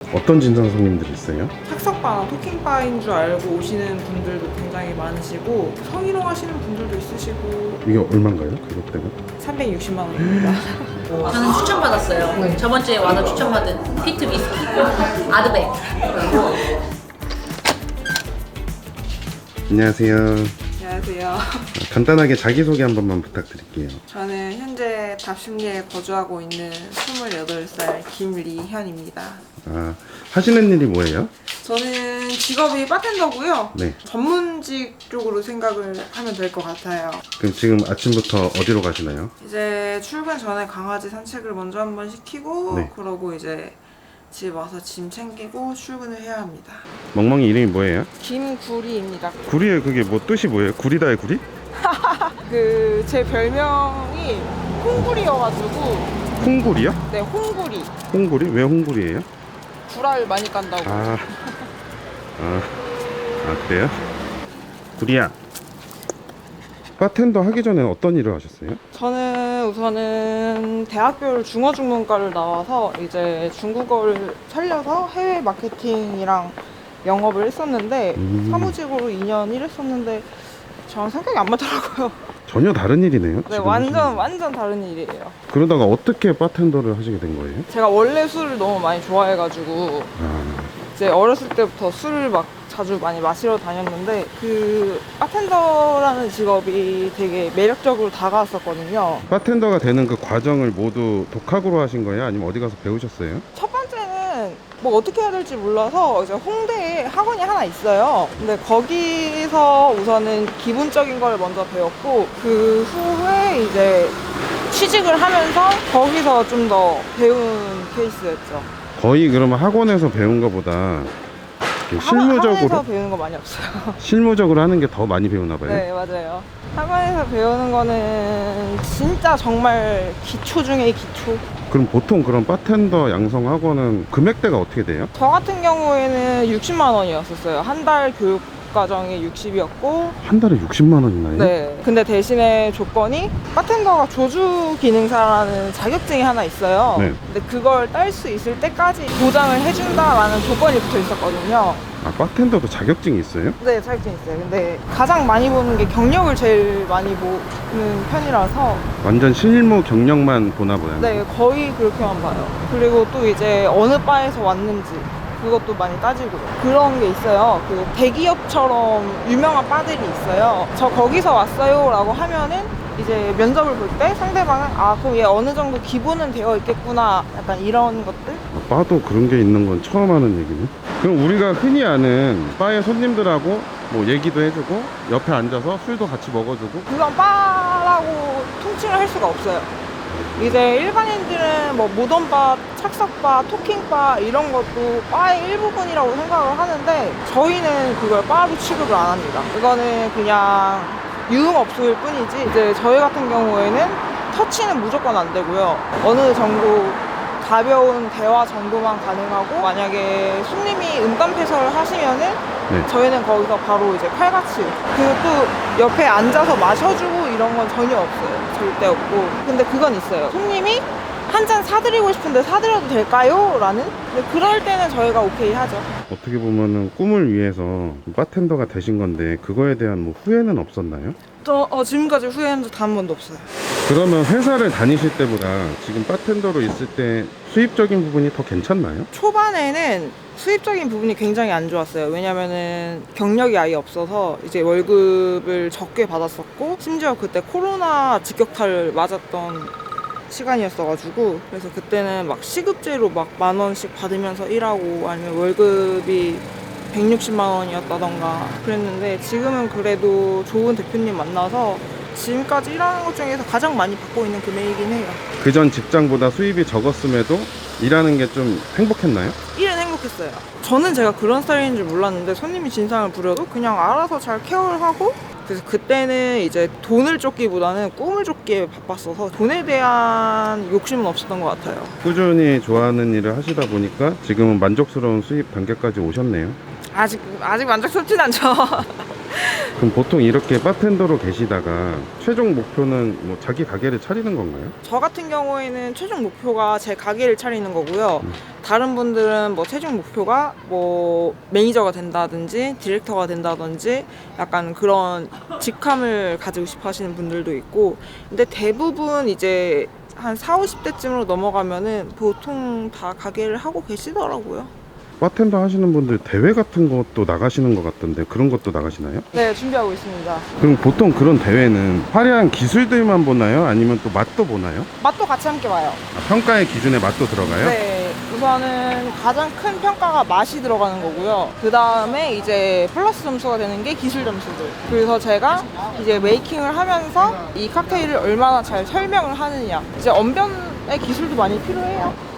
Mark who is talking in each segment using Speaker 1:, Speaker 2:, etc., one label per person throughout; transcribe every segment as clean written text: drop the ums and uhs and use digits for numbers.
Speaker 1: 어떤 진상 손님들이 있어요?
Speaker 2: 착석바나 토킹바인 줄 알고 오시는 분들도 굉장히 많으시고 성희롱 하시는 분들도 있으시고.
Speaker 1: 이게 얼마인가요? 가격대가?
Speaker 2: 360만 원입니다.
Speaker 3: 저는 추천받았어요. 저번 주에 와서 추천받은 피트 위스키 아드백.
Speaker 1: 안녕하세요.
Speaker 2: 안녕하세요.
Speaker 1: 간단하게 자기소개 한 번만 부탁드릴게요.
Speaker 2: 저는 현재 답심리에 거주하고 있는 28살 김리현입니다.
Speaker 1: 아, 하시는 일이 뭐예요?
Speaker 2: 저는 직업이 바텐더고요.
Speaker 1: 네.
Speaker 2: 전문직 쪽으로 생각을 하면 될 것 같아요.
Speaker 1: 그럼 지금 아침부터 어디로 가시나요?
Speaker 2: 이제 출근 전에 강아지 산책을 먼저 한번 시키고
Speaker 1: 네.
Speaker 2: 그러고 이제 집 와서 짐 챙기고 출근을 해야 합니다.
Speaker 1: 멍멍이 이름이 뭐예요?
Speaker 2: 김구리입니다.
Speaker 1: 구리에 그게 뭐 뜻이 뭐예요? 구리다의 구리?
Speaker 2: 그 제 별명이 홍구리여가지고.
Speaker 1: 홍구리요?
Speaker 2: 네, 홍구리.
Speaker 1: 홍구리? 왜 홍구리예요?
Speaker 2: 구라를 많이 깐다고.
Speaker 1: 아 그래요? 구리야, 바텐더 하기 전에 어떤 일을 하셨어요?
Speaker 2: 저는 우선은 대학교를 중어중문과를 나와서 이제 중국어를 살려서 해외 마케팅이랑 영업을 했었는데 사무직으로 2년 일했었는데 저랑 성격이 안 맞더라고요.
Speaker 1: 전혀 다른 일이네요.
Speaker 2: 네,
Speaker 1: 지금
Speaker 2: 완전 다른 일이에요.
Speaker 1: 그러다가 어떻게 바텐더를 하시게 된 거예요?
Speaker 2: 제가 원래 술을 너무 많이 좋아해가지고 이제 어렸을 때부터 술을 막 자주 많이 마시러 다녔는데 그 바텐더라는 직업이 되게 매력적으로 다가왔었거든요.
Speaker 1: 바텐더가 되는 그 과정을 모두 독학으로 하신 거예요? 아니면 어디 가서 배우셨어요?
Speaker 2: 첫 번째는 뭐 어떻게 해야 될지 몰라서 이제 홍대에 학원이 하나 있어요. 근데 거기서 우선은 기본적인 걸 먼저 배웠고 그 후에 이제 취직을 하면서 거기서 좀 더 배운 케이스였죠.
Speaker 1: 거의 그러면 학원에서 배운 것보다 이렇게 실무적으로
Speaker 2: 학원에서 배우는 거 많이 없어요.
Speaker 1: 실무적으로 하는 게 더 많이 배우나 봐요.
Speaker 2: 네, 맞아요. 학원에서 배우는 거는 진짜 정말 기초 중에 기초.
Speaker 1: 그럼 보통 그런 바텐더 양성 학원은 금액대가 어떻게 돼요?
Speaker 2: 저 같은 경우에는 60만 원이었었어요. 한 달 교육 과정이 60이었고.
Speaker 1: 한 달에 60만 원이나요?
Speaker 2: 네. 근데 대신에 조건이 바텐더가 조주 기능사라는 자격증이 하나 있어요.
Speaker 1: 네.
Speaker 2: 근데 그걸 딸 수 있을 때까지 보장을 해준다라는 조건이 붙어 있었거든요.
Speaker 1: 아, 바텐더도 자격증이 있어요?
Speaker 2: 네, 자격증 있어요. 근데 가장 많이 보는 게 경력을 제일 많이 보는 편이라서.
Speaker 1: 완전 실무 경력만 보나 봐요.
Speaker 2: 네, 거의 그렇게만 봐요. 그리고 또 이제 어느 바에서 왔는지 그것도 많이 따지고 그런 게 있어요. 그 대기업처럼 유명한 바들이 있어요. 저 거기서 왔어요 라고 하면은 이제 면접을 볼 때 상대방은 아 그럼 얘 어느 정도 기본은 되어 있겠구나 약간 이런 것들.
Speaker 1: 아, 바도 그런 게 있는 건 처음 하는 얘기네. 그럼 우리가 흔히 아는 바의 손님들하고 뭐 얘기도 해주고 옆에 앉아서 술도 같이 먹어주고
Speaker 2: 그건 바라고 통칭을 할 수가 없어요. 이제 일반인들은 뭐 모던바, 착석바, 토킹바 이런 것도 바의 일부분이라고 생각을 하는데 저희는 그걸 바로 취급을 안 합니다. 이거는 그냥 유흥업소일 뿐이지 이제 저희 같은 경우에는 터치는 무조건 안 되고요. 어느 정도 가벼운 대화 정도만 가능하고 만약에 손님이 음담패설을 하시면은
Speaker 1: 네.
Speaker 2: 저희는 거기서 바로 이제 칼같이 그리고 또 옆에 앉아서 마셔주고 이런 건 전혀 없어요. 절대 없고. 근데 그건 있어요. 손님이 한 잔 사드리고 싶은데 사드려도 될까요? 라는? 근데 그럴 때는 저희가 오케이 하죠.
Speaker 1: 어떻게 보면은 꿈을 위해서 바텐더가 되신 건데 그거에 대한 뭐 후회는 없었나요?
Speaker 2: 지금까지 후회한 적 단 한 번도 없어요.
Speaker 1: 그러면 회사를 다니실 때보다 지금 바텐더로 있을 때 수입적인 부분이 더 괜찮나요?
Speaker 2: 초반에는 수입적인 부분이 굉장히 안 좋았어요. 왜냐면은 경력이 아예 없어서 이제 월급을 적게 받았었고 심지어 그때 코로나 직격탄을 맞았던 시간이었어가지고 그래서 그때는 막 시급제로 막 10,000원씩 받으면서 일하고 아니면 월급이 160만 원이었다던가 그랬는데 지금은 그래도 좋은 대표님 만나서 지금까지 일하는 것 중에서 가장 많이 받고 있는 금액이긴 해요.
Speaker 1: 그전 직장보다 수입이 적었음에도 일하는 게 좀 행복했나요?
Speaker 2: 일은 행복했어요. 저는 제가 그런 스타일인 줄 몰랐는데 손님이 진상을 부려도 그냥 알아서 잘 케어를 하고 그래서 그때는 이제 돈을 쫓기보다는 꿈을 쫓기에 바빴어서 돈에 대한 욕심은 없었던 것 같아요.
Speaker 1: 꾸준히 좋아하는 일을 하시다 보니까 지금은 만족스러운 수입 단계까지 오셨네요.
Speaker 2: 아직 만족스럽진 않죠.
Speaker 1: 그럼 보통 이렇게 바텐더로 계시다가 최종 목표는 뭐 자기 가게를 차리는 건가요?
Speaker 2: 저 같은 경우에는 최종 목표가 제 가게를 차리는 거고요. 다른 분들은 뭐 최종 목표가 뭐 매니저가 된다든지 디렉터가 된다든지 약간 그런 직함을 가지고 싶어 하시는 분들도 있고, 근데 대부분 이제 한 40, 50대쯤으로 넘어가면은 보통 다 가게를 하고 계시더라고요.
Speaker 1: 바텐더 하시는 분들 대회 같은 것도 나가시는 것 같던데 그런 것도 나가시나요?
Speaker 2: 네, 준비하고 있습니다.
Speaker 1: 그럼 보통 그런 대회는 화려한 기술들만 보나요? 아니면 또 맛도 보나요?
Speaker 2: 맛도 같이 함께 와요.
Speaker 1: 아, 평가의 기준에 맛도 들어가요?
Speaker 2: 네, 우선은 가장 큰 평가가 맛이 들어가는 거고요. 그 다음에 이제 플러스 점수가 되는 게 기술 점수들. 그래서 제가 이제 메이킹을 하면서 이 칵테일을 얼마나 잘 설명을 하느냐. 이제 언변의 기술도 많이 필요해요.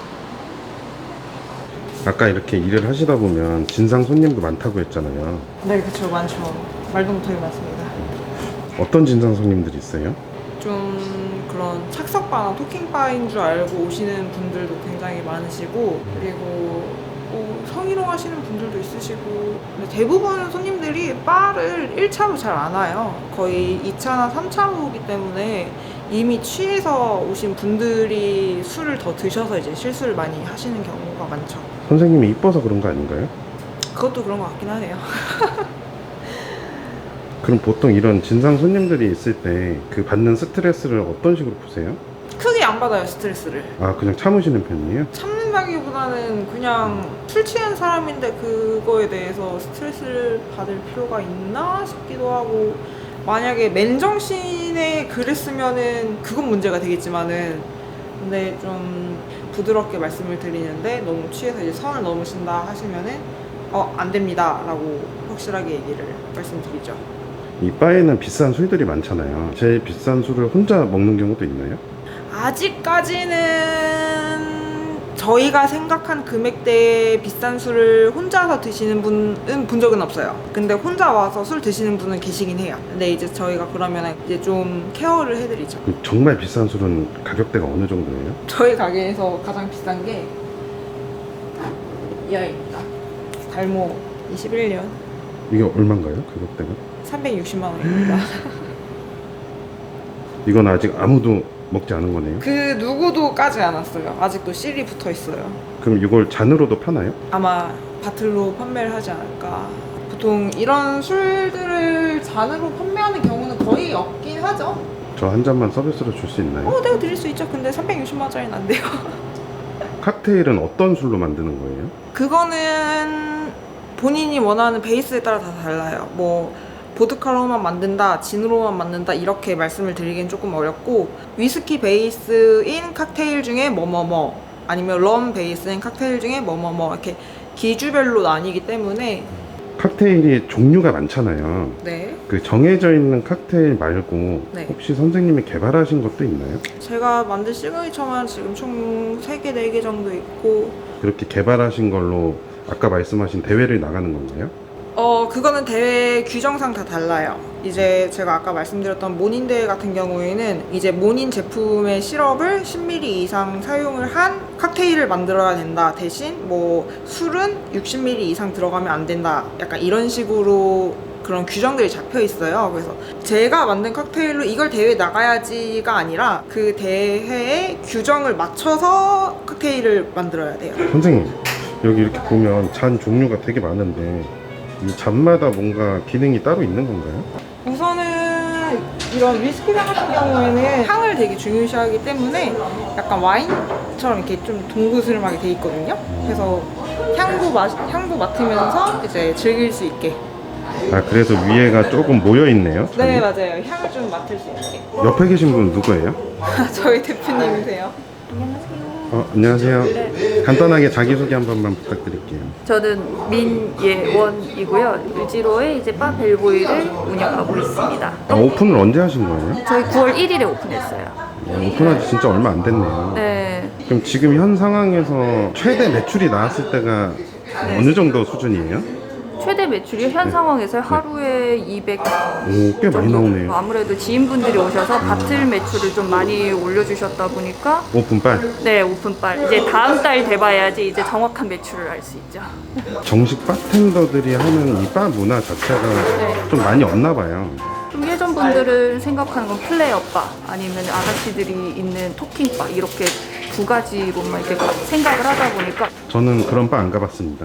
Speaker 1: 아까 이렇게 일을 하시다 보면 진상 손님도 많다고 했잖아요.
Speaker 2: 네, 그쵸, 많죠. 말도 못하게 많습니다.
Speaker 1: 어떤 진상 손님들이 있어요?
Speaker 2: 좀 그런 착석바나 토킹바인 줄 알고 오시는 분들도 굉장히 많으시고, 그리고 성희롱 하시는 분들도 있으시고, 근데 대부분 손님들이 바를 1차로 잘 안 와요. 거의 2차나 3차로 오기 때문에 이미 취해서 오신 분들이 술을 더 드셔서 이제 실수를 많이 하시는 경우가 많죠.
Speaker 1: 선생님이 이뻐서 그런 거 아닌가요?
Speaker 2: 그것도 그런 것 같긴 하네요.
Speaker 1: 그럼 보통 이런 진상 손님들이 있을 때 그 받는 스트레스를 어떤 식으로 푸세요?
Speaker 2: 크게 안 받아요, 스트레스를.
Speaker 1: 아, 그냥 참으시는 편이에요?
Speaker 2: 참는다기보다는 그냥 술 취한 사람인데 그거에 대해서 스트레스를 받을 필요가 있나 싶기도 하고, 만약에 맨정신에 그랬으면은 그건 문제가 되겠지만은, 근데 좀 부드럽게 말씀을 드리는데 너무 취해서 이제 선을 넘으신다 하시면은 안 됩니다 라고 확실하게 얘기를 말씀드리죠.
Speaker 1: 이 바에는 비싼 술들이 많잖아요. 제일 비싼 술을 혼자 먹는 경우도 있나요?
Speaker 2: 아직까지는 저희가 생각한 금액대의 비싼 술을 혼자서 드시는 분은 본 적은 없어요. 근데 혼자 와서 술 드시는 분은 계시긴 해요. 근데 이제 저희가 그러면 이제 좀 케어를 해드리죠.
Speaker 1: 그럼 정말 비싼 술은 가격대가 어느 정도예요?
Speaker 2: 저희 가게에서 가장 비싼 게 이 아이입니다. 달모 21년
Speaker 1: 이게 얼마인가요? 가격대가?
Speaker 2: 360만 원입니다.
Speaker 1: 이건 아직 아무도 먹지 않은 거네요.
Speaker 2: 그 누구도 까지 않았어요. 아직도 실이 붙어 있어요.
Speaker 1: 그럼 이걸 잔으로도 파나요?
Speaker 2: 아마 바틀로 판매를 하지 않을까. 보통 이런 술들을 잔으로 판매하는 경우는 거의 없긴 하죠.
Speaker 1: 저 한 잔만 서비스로 줄 수 있나요?
Speaker 2: 내가 드릴 수 있죠. 근데 360만 원짜리는 안 돼요.
Speaker 1: 칵테일은 어떤 술로 만드는 거예요?
Speaker 2: 그거는 본인이 원하는 베이스에 따라 다 달라요. 뭐 보드카로만 만든다, 진으로만 만든다 이렇게 말씀을 드리기는 조금 어렵고, 위스키 베이스인 칵테일 중에 뭐뭐뭐, 아니면 럼 베이스인 칵테일 중에 뭐뭐뭐 이렇게 기주별로 나뉘기 때문에.
Speaker 1: 칵테일이 종류가 많잖아요.
Speaker 2: 네,
Speaker 1: 그 정해져 있는 칵테일 말고
Speaker 2: 네.
Speaker 1: 혹시 선생님이 개발하신 것도 있나요?
Speaker 2: 제가 만든 시그니처만 지금 총 3개, 4개 정도 있고,
Speaker 1: 그렇게 개발하신 걸로 아까 말씀하신 대회를 나가는 건가요?
Speaker 2: 그거는 대회 규정상 다 달라요. 이제 제가 아까 말씀드렸던 모닌 대회 같은 경우에는 이제 모닌 제품의 시럽을 10ml 이상 사용을 한 칵테일을 만들어야 된다. 대신 뭐 술은 60ml 이상 들어가면 안 된다. 약간 이런 식으로 그런 규정들이 잡혀 있어요. 그래서 제가 만든 칵테일로 이걸 대회에 나가야지가 아니라 그 대회의 규정을 맞춰서 칵테일을 만들어야 돼요.
Speaker 1: 선생님, 여기 이렇게 보면 잔 종류가 되게 많은데 이 잔마다 뭔가 기능이 따로 있는 건가요?
Speaker 2: 우선은 이런 위스키잔 같은 경우에는 향을 되게 중요시하기 때문에 약간 와인처럼 이렇게 좀 동그스름하게 돼 있거든요. 그래서 향도 맡으면서 이제 즐길 수 있게.
Speaker 1: 아, 그래서 위에가 조금 모여 있네요.
Speaker 2: 네, 맞아요. 향을 좀 맡을 수 있게.
Speaker 1: 옆에 계신 분 누구예요?
Speaker 2: 저희 대표님이세요.
Speaker 1: 안녕하세요. 간단하게 자기소개 한 번만 부탁드릴게요.
Speaker 4: 저는 민예원이고요. 유지로에 이제 바 벨보이를 운영하고 있습니다.
Speaker 1: 오픈을 언제 하신 거예요?
Speaker 4: 저희 9월 1일에 오픈했어요.
Speaker 1: 오픈한 지 진짜 얼마 안 됐네요.
Speaker 4: 네.
Speaker 1: 그럼 지금 현 상황에서 최대 매출이 나왔을 때가 어느 정도 수준이에요?
Speaker 4: 최대 매출이 현 상황에서 하루에 200
Speaker 1: 오, 꽤 많이 나오네요.
Speaker 4: 아무래도 지인분들이 오셔서 바틀 매출을 좀 많이 올려주셨다 보니까
Speaker 1: 오픈빨.
Speaker 4: 네, 오픈빨. 이제 다음 달 돼봐야지 이제 정확한 매출을 알 수 있죠.
Speaker 1: 정식 바텐더들이 하는 이 바 문화 자체가 좀 많이 없나 봐요.
Speaker 4: 좀 예전 분들은 생각하는 건 플레이어바 아니면 아가씨들이 있는 토킹바 이렇게 두 가지로만 이렇게 생각을 하다 보니까
Speaker 1: 저는 그런 바 안 가봤습니다.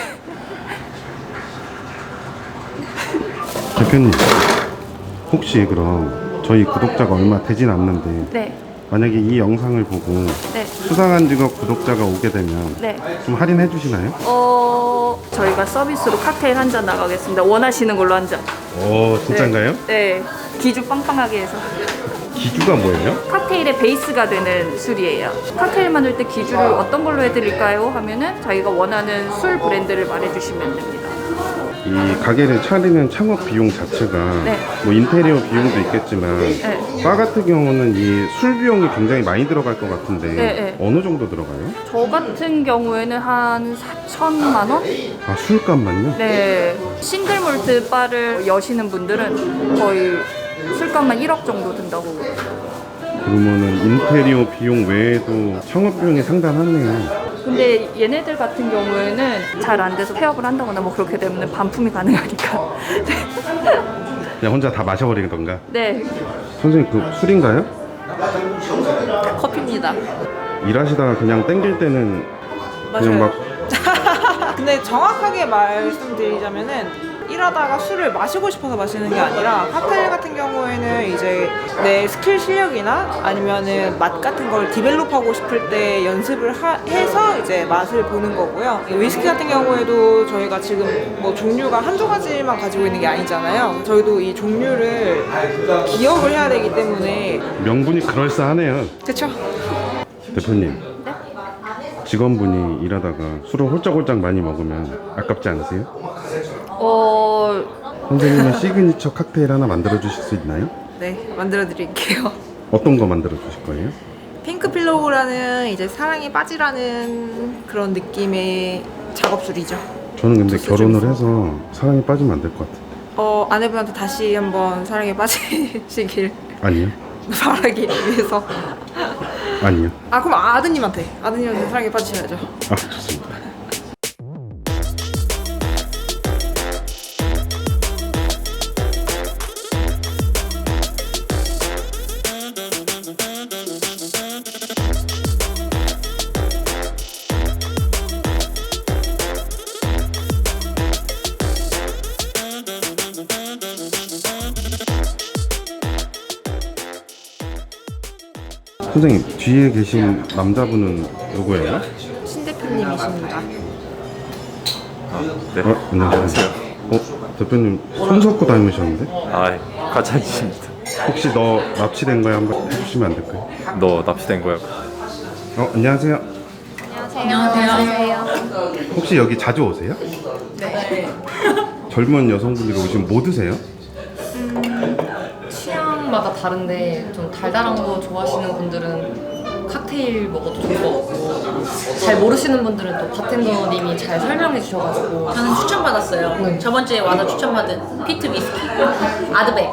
Speaker 1: 대표님, 혹시 그럼 저희 구독자가 얼마 되진 않는데
Speaker 4: 네,
Speaker 1: 만약에 이 영상을 보고
Speaker 4: 네,
Speaker 1: 수상한 직업 구독자가 오게 되면
Speaker 4: 네.
Speaker 1: 좀 할인해 주시나요?
Speaker 4: 저희가 서비스로 칵테일 한 잔 나가겠습니다. 원하시는 걸로 한 잔.
Speaker 1: 오, 진짠가요?
Speaker 4: 네, 기주 빵빵하게 해서.
Speaker 1: 기주가 뭐예요?
Speaker 4: 칵테일의 베이스가 되는 술이에요. 칵테일 만들 때 기주를 어떤 걸로 해드릴까요? 하면은 자기가 원하는 술 브랜드를 말해주시면 됩니다.
Speaker 1: 이 가게를 차리는 창업 비용 자체가
Speaker 4: 네.
Speaker 1: 뭐 인테리어 비용도 있겠지만
Speaker 4: 네.
Speaker 1: 바 같은 경우는 이 술 비용이 굉장히 많이 들어갈 것 같은데
Speaker 4: 네.
Speaker 1: 어느 정도 들어가요?
Speaker 4: 저 같은 경우에는 한 4천만 원?
Speaker 1: 아, 술값만요?
Speaker 4: 네. 싱글 몰트 바를 여시는 분들은 거의 술값만 1억 정도 든다고.
Speaker 1: 그러면은 인테리어 비용 외에도 창업 비용이 상당하네요.
Speaker 4: 근데 얘네들 같은 경우에는 잘 안 돼서 폐업을 한다거나 뭐 그렇게 되면 반품이 가능하니까.
Speaker 1: 그냥 혼자 다 마셔버리는 건가?
Speaker 4: 네.
Speaker 1: 선생님, 그 술인가요?
Speaker 3: 커피입니다.
Speaker 1: 일하시다가 그냥 땡길 때는 그냥 막
Speaker 2: 근데 정확하게 말씀드리자면은 일하다가 술을 마시고 싶어서 마시는 게 아니라 칵테일 같은 경우에는 이제 내 스킬 실력이나 아니면은 맛 같은 걸 디벨롭하고 싶을 때 연습을 해서 이제 맛을 보는 거고요. 위스키 같은 경우에도 저희가 지금 뭐 종류가 한두 가지만 가지고 있는 게 아니잖아요. 저희도 이 종류를 기억을 해야 되기 때문에
Speaker 1: 명분이 그럴싸하네요.
Speaker 2: 그쵸?
Speaker 1: 대표님, 직원분이 일하다가 술을 홀짝홀짝 많이 먹으면 아깝지 않으세요? 선생님의 시그니처 칵테일 하나 만들어 주실 수 있나요?
Speaker 2: 네, 만들어 드릴게요.
Speaker 1: 어떤 거 만들어 주실 거예요?
Speaker 2: 핑크 필로우라는 이제 사랑에 빠지라는 그런 느낌의 작업술이죠.
Speaker 1: 저는 근데
Speaker 2: 도수
Speaker 1: 결혼을
Speaker 2: 중에서.
Speaker 1: 해서 사랑에 빠지면 안 될 것 같은데.
Speaker 2: 아내분한테 다시 한번 사랑에 빠지시길
Speaker 1: 아니요?
Speaker 2: 바라기 위해서.
Speaker 1: 아니요.
Speaker 2: 그럼 아드님한테 사랑에 빠지셔야죠.
Speaker 1: 아, 좋습니다. 선생님, 뒤에 계신 남자분은 누구예요?
Speaker 2: 신 대표님이십니다.
Speaker 5: 네.
Speaker 1: 안녕하세요. 대표님 손 섞고 닮으셨는데?
Speaker 5: 아, 과찬이십니다.
Speaker 1: 혹시 너 납치된 거야? 한번 해주시면 안 될까요?
Speaker 5: 너 납치된 거야?
Speaker 1: 안녕하세요.
Speaker 3: 안녕하세요.
Speaker 1: 혹시 여기 자주 오세요?
Speaker 3: 네.
Speaker 1: 젊은 여성분들이 오시면 뭐 드세요?
Speaker 6: 취향마다 다른데 좀 달달한 거 좋아하시는 분들은 칵테일 먹어도 좋을 것 같고 잘 모르시는 분들은 또 바텐더님이 잘 설명해 주셔가지고
Speaker 3: 저는 추천받았어요. 저번 주에 와서 추천받은 피트 위스키, 아드백.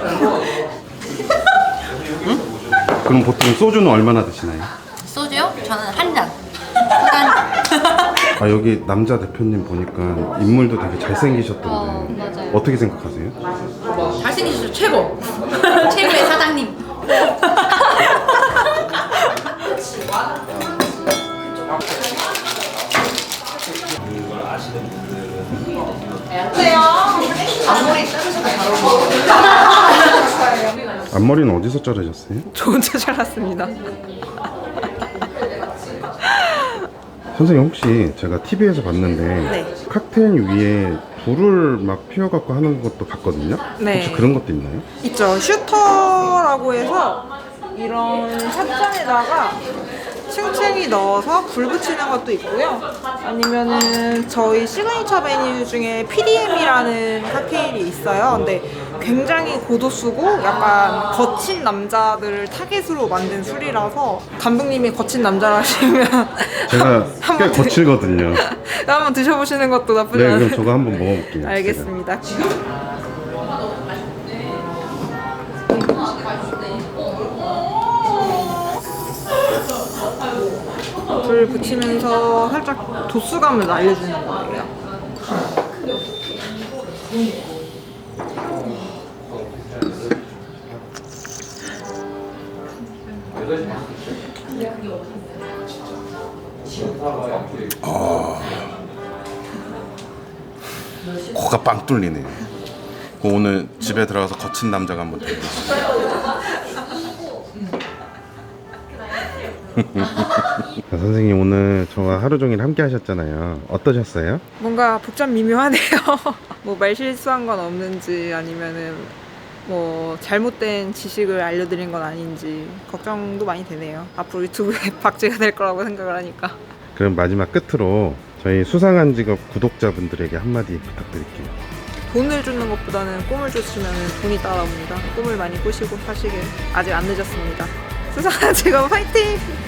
Speaker 1: 그럼 보통 소주는 얼마나 드시나요?
Speaker 3: 소주요? 저는 한 잔.
Speaker 1: 아, 여기 남자 대표님 보니까 인물도 되게 잘생기셨던데
Speaker 6: 맞아요.
Speaker 1: 어떻게 생각하세요?
Speaker 3: 잘생기셨죠? 최고. 최고의 사장님.
Speaker 1: 앞머리는 어디서 자르셨어요?
Speaker 2: 저 혼자 잘랐습니다.
Speaker 1: 선생님, 혹시 제가 TV에서 봤는데
Speaker 2: 네.
Speaker 1: 칵테일 위에 불을 막 피워갖고 하는 것도 봤거든요?
Speaker 2: 네.
Speaker 1: 혹시 그런 것도 있나요?
Speaker 2: 있죠. 슈터라고 해서 이런 찻잔에다가 층층이 넣어서 불 붙이는 것도 있고요. 아니면은 저희 시그니처 메뉴 중에 PDM이라는 칵테일이 있어요. 근데 굉장히 고도수고 약간 거친 남자들을 타겟으로 만든 술이라서 감독님이 거친 남자라 하시면
Speaker 1: 제가 꽤
Speaker 2: 한번
Speaker 1: 거칠거든요.
Speaker 2: 한번 드셔보시는 것도 나쁘지
Speaker 1: 네,
Speaker 2: 않아요.
Speaker 1: 그럼 저거 한번 먹어볼게요.
Speaker 2: 알겠습니다. 불 붙이면서 살짝 도수감을 날려주는 거예요.
Speaker 1: 코가 빵 뚫리네. 오늘 집에 들어가서 거친 남자가 한번 되겠습니다. 선생님 오늘 저와 하루 종일 함께 하셨잖아요. 어떠셨어요?
Speaker 2: 뭔가 복잡 미묘하네요. 뭐 말 실수한 건 없는지 아니면은 뭐 잘못된 지식을 알려드린 건 아닌지 걱정도 많이 되네요. 앞으로 유튜브에 박제가 될 거라고 생각을 하니까.
Speaker 1: 그럼 마지막 끝으로 저희 수상한 직업 구독자분들에게 한마디 부탁드릴게요.
Speaker 2: 돈을 주는 것보다는 꿈을 줬으면 돈이 따라옵니다. 꿈을 많이 꾸시고 사시길 아직 안 늦었습니다. 수상한 직업 화이팅!